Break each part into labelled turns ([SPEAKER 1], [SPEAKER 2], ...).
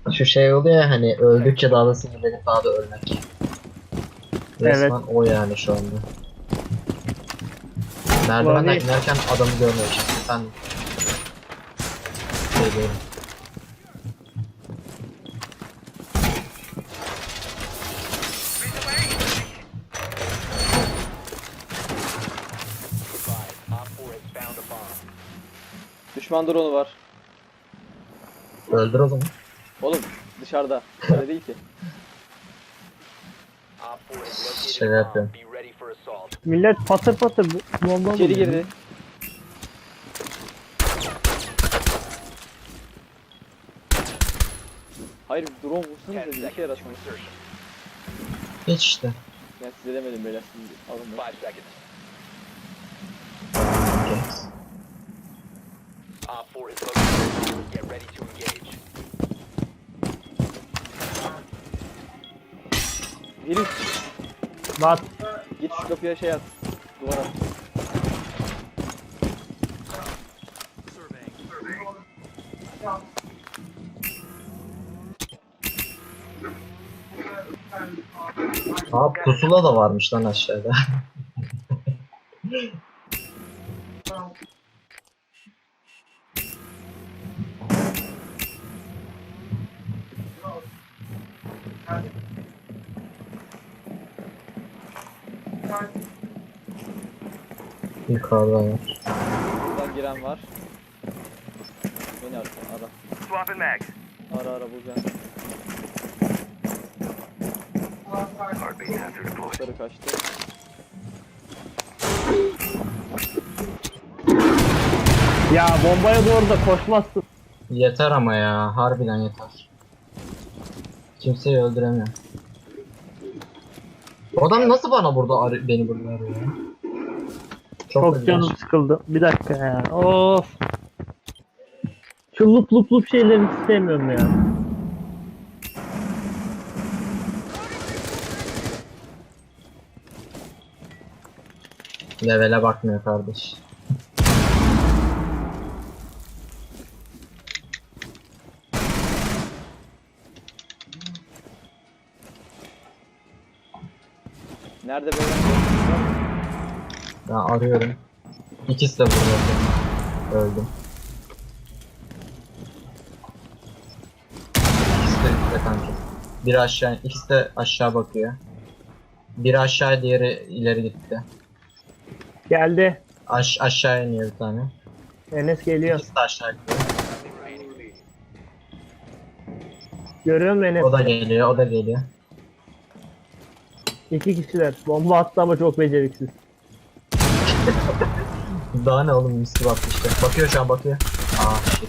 [SPEAKER 1] Şu şey oluyor ya hani öldükçe daha da sinirlenip daha da ölmek.
[SPEAKER 2] Evet.
[SPEAKER 1] Resmen o yani şu anda. Merdivenden
[SPEAKER 2] Vallahi
[SPEAKER 1] inerken adamı görmemişim. Ben şey değilim.
[SPEAKER 3] Düşman drone'u var.
[SPEAKER 1] Öldür o zaman.
[SPEAKER 3] Oğlum dışarıda. Öyle değil ki.
[SPEAKER 1] Şey yapıyorum.
[SPEAKER 2] millet patır patır bomba
[SPEAKER 3] İçeri
[SPEAKER 2] buluyor.
[SPEAKER 3] girdi. Hayır drone vursanıza bir işe yarasın.
[SPEAKER 1] Hiç işte.
[SPEAKER 3] Ben size demedim beyler. Siz alın bunu. Herif
[SPEAKER 2] Bak
[SPEAKER 3] git şu kapıya şey at. Duvara.
[SPEAKER 1] Aa pusula da varmış lan aşağıda. Yukarıda var.
[SPEAKER 3] Buradan giren var. Beni ara.
[SPEAKER 4] Swapping mags.
[SPEAKER 3] Ara bulacağım.
[SPEAKER 4] Heartbeat sensor deployed.
[SPEAKER 3] Yukarı kaçtı.
[SPEAKER 2] ya bombaya doğru da koşmazsın.
[SPEAKER 1] Yeter ama ya. Harbiden yeter. Kimseyi öldüremiyor. O adam nasıl bana burada beni burada arıyor ya?
[SPEAKER 2] Çok
[SPEAKER 1] ilginç.
[SPEAKER 2] canım sıkıldı. Bir dakika ya. Of. Şu lup şeyleri istemiyorum ya.
[SPEAKER 1] Levele bakmıyor kardeş.
[SPEAKER 3] Nerede böyle?
[SPEAKER 1] Ben arıyorum. İkisi de burada. Öldüm. İkisi de üstte kanka. Biri aşağı, ikisi de aşağı bakıyor. Biri aşağı, diğeri ileri gitti.
[SPEAKER 2] Geldi.
[SPEAKER 1] Aşağı iniyor bir tane.
[SPEAKER 2] Enes geliyor.
[SPEAKER 1] İkisi de aşağı gidiyor.
[SPEAKER 2] Görüyor musun Enes?
[SPEAKER 1] O da geliyor, o da geliyor.
[SPEAKER 2] İki kişiler. Bomba attı ama çok beceriksiz.
[SPEAKER 1] Daha ne oğlum, misli baktı işte. Bakıyor şu an, bakıyor. Aa shit.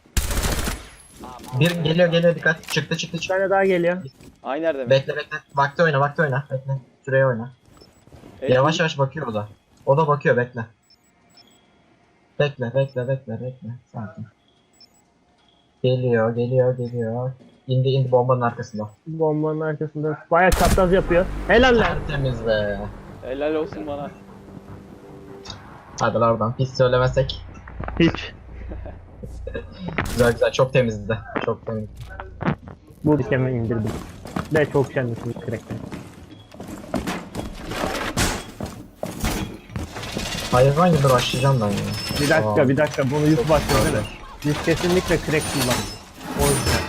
[SPEAKER 1] Bir geliyor dikkat. Çıktı.
[SPEAKER 2] Bir tane daha geliyor.
[SPEAKER 3] Ay nerede mi?
[SPEAKER 1] Bekle. Vakti oyna. Bekle. Şuraya oyna. Yavaş yavaş bakıyor o da. O da bakıyor, bekle. Bekle. Sakin. Geliyor. İndi bombanın arkasında.
[SPEAKER 2] Bombanın arkasında. Bayağı çapraz yapıyor. Helal lan.
[SPEAKER 1] Tertemiz be.
[SPEAKER 3] Helal olsun bana.
[SPEAKER 1] Hadi lan oradan. Pis söylemesek.
[SPEAKER 2] Hiç.
[SPEAKER 1] Güzel. Çok temizdi. Çok temiz.
[SPEAKER 2] Bu dikeme indirdim. Ve çok şenlisiniz crack'ten.
[SPEAKER 1] Hayvan gibi başlayacağım ben ya.
[SPEAKER 2] Bir dakika bunu yük başlıyor değil mi? Biz kesinlikle crack kullandık. O yüzden.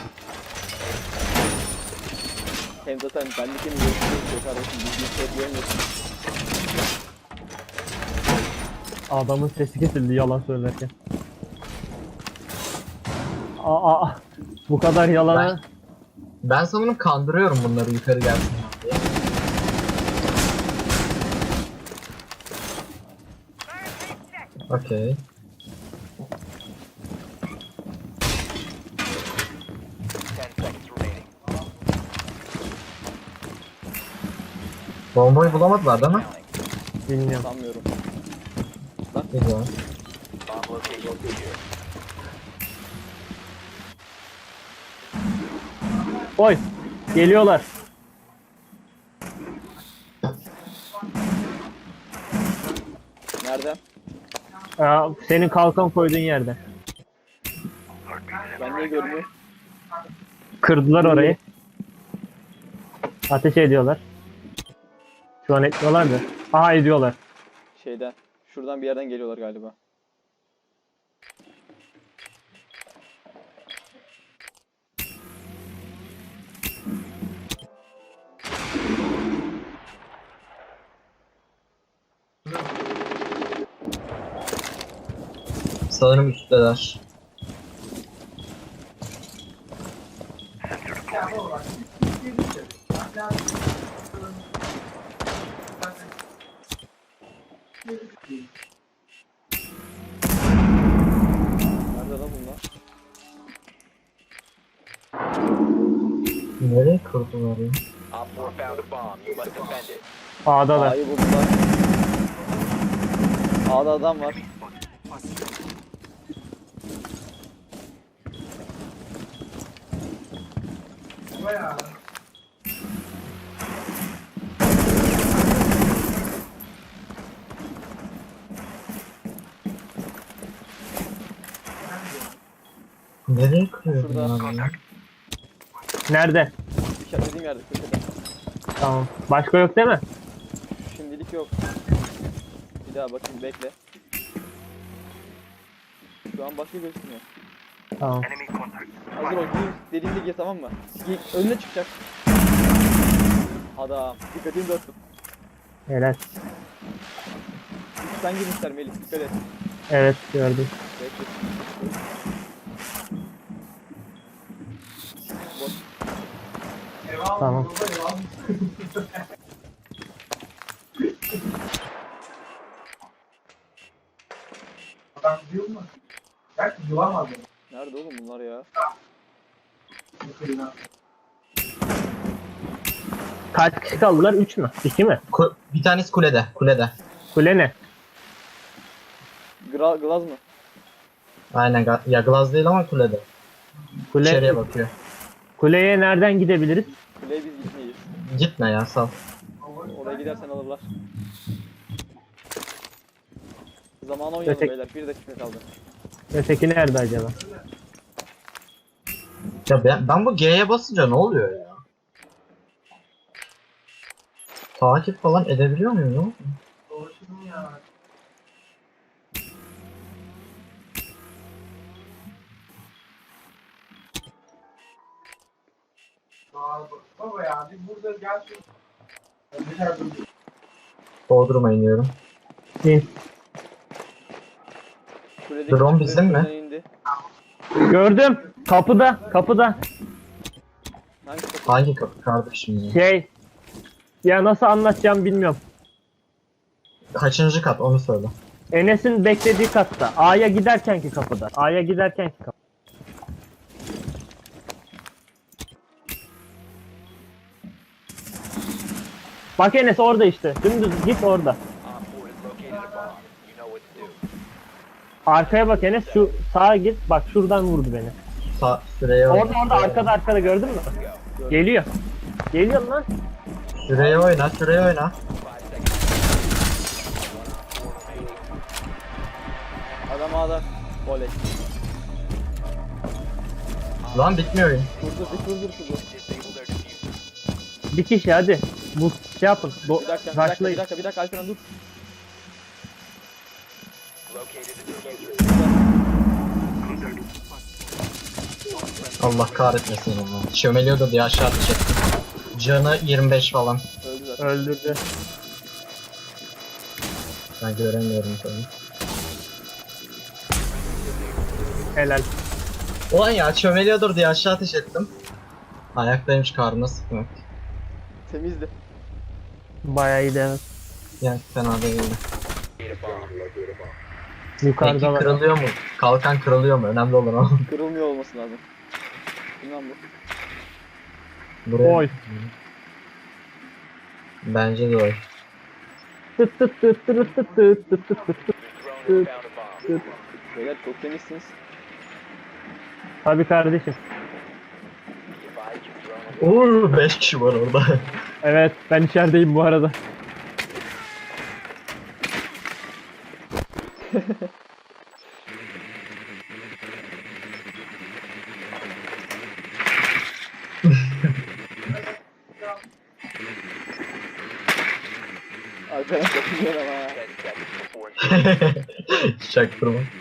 [SPEAKER 3] Hem zaten bendeki mi görüşürüz kardeşim. Biz bir şey diyemiyorsun.
[SPEAKER 2] Adamın sesi kesildi yalan söylerken. Aa, bu kadar yalana.
[SPEAKER 1] Ben sanırım kandırıyorum bunları yukarı gelsin diye. Okey. Bombayı bulamadılar değil mi?
[SPEAKER 2] Bilmiyorum.
[SPEAKER 3] Sanmıyorum.
[SPEAKER 1] Güzel.
[SPEAKER 2] Oy. Geliyorlar.
[SPEAKER 3] Nerede?
[SPEAKER 2] Aa, senin kalkan koyduğun yerde.
[SPEAKER 3] Ben niye görmüyorum?
[SPEAKER 2] Kırdılar orayı. Ateş ediyorlar. Şu an etmiyorlar da. Aha ediyorlar.
[SPEAKER 3] Şeyden. Şuradan bir yerden geliyorlar galiba.
[SPEAKER 1] Sanırım üstteler.
[SPEAKER 3] Nerede lan bunlar?
[SPEAKER 1] Nereye kurdular ya?
[SPEAKER 4] Op 4 found a bomb. You must defend it.
[SPEAKER 2] A'dalar.
[SPEAKER 3] A'yı buldular. A'da adam var.
[SPEAKER 1] Nereye kırıyor
[SPEAKER 3] Şurada.
[SPEAKER 1] bunlar ya?
[SPEAKER 2] Nerede?
[SPEAKER 3] İşaretlediğim yerde köşede.
[SPEAKER 2] Tamam. Başka yok değil mi?
[SPEAKER 3] Şimdilik yok. Bir daha bakayım bekle. Şu an başka gözükmüyor.
[SPEAKER 2] Tamam.
[SPEAKER 4] Enemy contact.
[SPEAKER 3] Hazır ol. Gir. Dediğimde gir tamam mı? Önüne çıkacak. Adam. Dikkatini dağıttım.
[SPEAKER 2] Helal.
[SPEAKER 3] Sen girmişler Melih. Dikkat et.
[SPEAKER 2] Evet gördüm.
[SPEAKER 3] Bekle. Boş.
[SPEAKER 2] Tamam.
[SPEAKER 3] Nerede oğlum bunlar ya?
[SPEAKER 2] Kaç kişi kaldılar? 3 mü? 2 mi?
[SPEAKER 1] Bir tanesi kulede. Kulede.
[SPEAKER 2] Kule ne?
[SPEAKER 3] Glaz mı?
[SPEAKER 1] Aynen. Ya Glaz değil ama kulede. İçeriye
[SPEAKER 2] Kule,
[SPEAKER 1] bakıyor.
[SPEAKER 2] kuleye nereden gidebiliriz?
[SPEAKER 3] Kuleye biz gitmeyiz.
[SPEAKER 1] Gitme ya sal.
[SPEAKER 3] Oraya gidersen alırlar. Zamanı oynayalım
[SPEAKER 2] Ötek-
[SPEAKER 3] beyler. 1 dakika kaldı.
[SPEAKER 2] Öteki nerede acaba?
[SPEAKER 1] Ya ben bu G'ye basınca ne oluyor ya? Takip falan edebiliyor muyum?
[SPEAKER 5] Baba ya biz burada gerçekten
[SPEAKER 1] Bodrum'a iniyorum.
[SPEAKER 2] İn.
[SPEAKER 3] Kuledeki
[SPEAKER 1] Drone
[SPEAKER 3] çiftler
[SPEAKER 1] bizim mi?
[SPEAKER 3] şuradan indi.
[SPEAKER 2] Gördüm. Kapıda. Kapıda.
[SPEAKER 3] Hangi kapı?
[SPEAKER 1] Hangi kapı kardeşim ya?
[SPEAKER 2] Şey. Ya nasıl anlatacağım bilmiyorum.
[SPEAKER 1] Kaçıncı kat onu söyle.
[SPEAKER 2] Enes'in beklediği katta. A'ya giderkenki kapıda. A'ya giderkenki kapı. Bak Enes orada işte. Dümdüz git orada.
[SPEAKER 4] Op 4 has located a bomb. You know what to do.
[SPEAKER 2] Arkaya bak Enes. Şu sağa git. Bak şuradan vurdu beni.
[SPEAKER 1] Süreye oyna.
[SPEAKER 2] Orada arkada gördün mü? Geliyor. Geliyor lan.
[SPEAKER 1] Süreye oyna. Süreye oyna.
[SPEAKER 4] 5 seconds.
[SPEAKER 3] Adam A'da. Oley.
[SPEAKER 1] Lan bitmiyor oyun.
[SPEAKER 3] Kurdur.
[SPEAKER 4] Disable their diffuser.
[SPEAKER 2] Bir kişi hadi. Bu şey yapın.
[SPEAKER 3] Bir dakika,
[SPEAKER 2] Rushlayın.
[SPEAKER 3] bir dakika Alperen dur.
[SPEAKER 4] Located the diffuser.
[SPEAKER 1] Allah kahretmesin onu. Çömeliyordu diye aşağı ateş ettim. Canı 25 falan.
[SPEAKER 3] Öldü zaten.
[SPEAKER 2] Öldürdü.
[SPEAKER 1] Ben göremiyorum tabii.
[SPEAKER 2] Helal.
[SPEAKER 1] Ulan ya çömeliyordur diye aşağı ateş ettim. Ayaktaymış karnına sıkmak.
[SPEAKER 3] Temizdi.
[SPEAKER 2] Bayağı iyi evet.
[SPEAKER 1] Yani fena değildi.
[SPEAKER 4] Locate a bomb.
[SPEAKER 1] Peki
[SPEAKER 2] Yukarıda var.
[SPEAKER 1] kırılıyor mu? Kalkan kırılıyor mu? Önemli olan o.
[SPEAKER 3] Kırılmıyor olması lazım. Bilmem bu.
[SPEAKER 1] Buraya.
[SPEAKER 2] Oy.
[SPEAKER 1] Bence de oy.
[SPEAKER 2] Tıt tıt tıt tıt tıt tıt tıt tıt tıt tıt.
[SPEAKER 4] Your drone has found a bomb.
[SPEAKER 3] Beyler çok temizsiniz.
[SPEAKER 2] Tabii kardeşim.
[SPEAKER 4] Be advised your drone has
[SPEAKER 1] 5 kişi var orada.
[SPEAKER 2] Evet ben içerideyim bu arada.
[SPEAKER 3] Güzel ama ya.
[SPEAKER 4] 10 seconds before insertion.
[SPEAKER 1] Çaktırma.
[SPEAKER 4] 5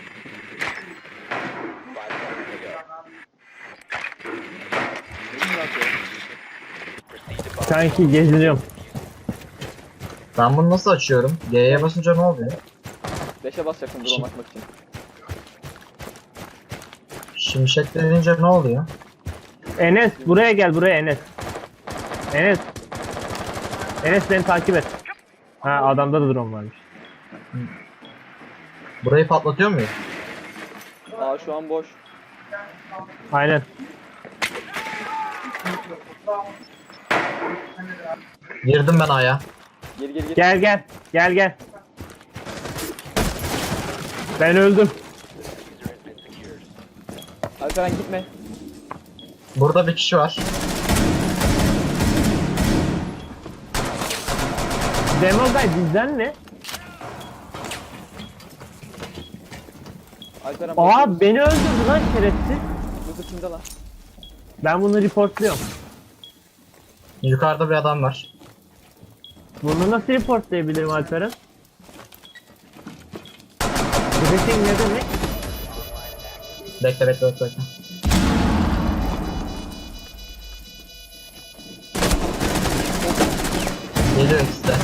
[SPEAKER 4] seconds to go.
[SPEAKER 3] Ne yapıyor?
[SPEAKER 4] Proceed to bomb.
[SPEAKER 2] Sanki geziniyorum.
[SPEAKER 1] Ben bunu nasıl açıyorum? G'ye basınca ne oluyor?
[SPEAKER 3] 5'e basacaksın drone atmak için.
[SPEAKER 1] Şimşek denince ne oluyor?
[SPEAKER 2] Enes buraya gel, buraya Enes. Enes. Enes beni takip et. Ha, adamda da drone varmış.
[SPEAKER 1] Burayı patlatıyor muyuz?
[SPEAKER 3] Aa şu an boş.
[SPEAKER 2] Aynen.
[SPEAKER 1] Girdim ben A'ya.
[SPEAKER 3] Geri geri geri.
[SPEAKER 2] Gel gel. Gel gel. Ben öldüm.
[SPEAKER 4] Diffuser has been secured.
[SPEAKER 3] Alperen gitme.
[SPEAKER 1] Burada bir kişi var.
[SPEAKER 2] Demogay bizden ne?
[SPEAKER 3] Alperen
[SPEAKER 2] Aa beni öldürdü lan şerefsiz.
[SPEAKER 3] Yusuf kimde lan?
[SPEAKER 2] Ben bunu reportluyorum.
[SPEAKER 1] Yukarıda bir adam var.
[SPEAKER 2] Bunu nasıl reportlayabilirim Alperen? Briefing ne demek?
[SPEAKER 1] Bekle bekle bekle. Bekle. Geliyor ikisi de.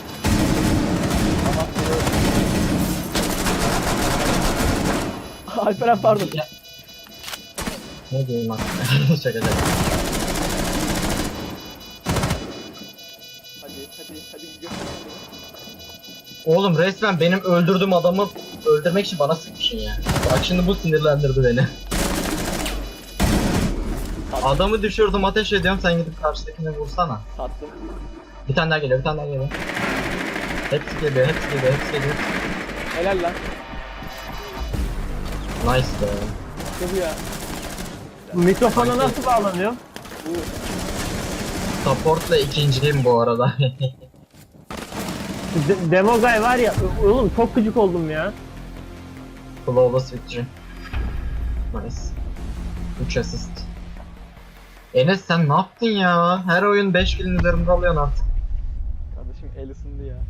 [SPEAKER 3] Alperen pardon.
[SPEAKER 1] Ya. Ne diyeyim aslında? Şaka şaka.
[SPEAKER 3] Hadi göster.
[SPEAKER 1] Oğlum resmen benim öldürdüğüm adamı öldürmek için bana sıkmışsın ya. Bak şimdi bu sinirlendirdi beni. Adamı düşürdüm, ateş ediyorum, sen gidip karşıdakine vursana.
[SPEAKER 3] Sattım.
[SPEAKER 1] Bir tane daha geliyor, bir tane daha geliyor. Hepsi geliyor, hepsi geliyor, hepsi geliyor.
[SPEAKER 3] Helal lan.
[SPEAKER 1] Nice be.
[SPEAKER 3] İşte bu ya.
[SPEAKER 2] Bu mikrofona nasıl bağlanıyor?
[SPEAKER 3] Bu
[SPEAKER 1] Support'la ikinciyim bu arada.
[SPEAKER 2] Demogay var ya, oğlum çok gıcık oldum ya.
[SPEAKER 1] Flawless victory. Nice. 3 assist. Enes sen ne yaptın ya? Her oyun 5 kilin üzerinde alıyorsun artık.
[SPEAKER 3] kardeşim el ısındı ya.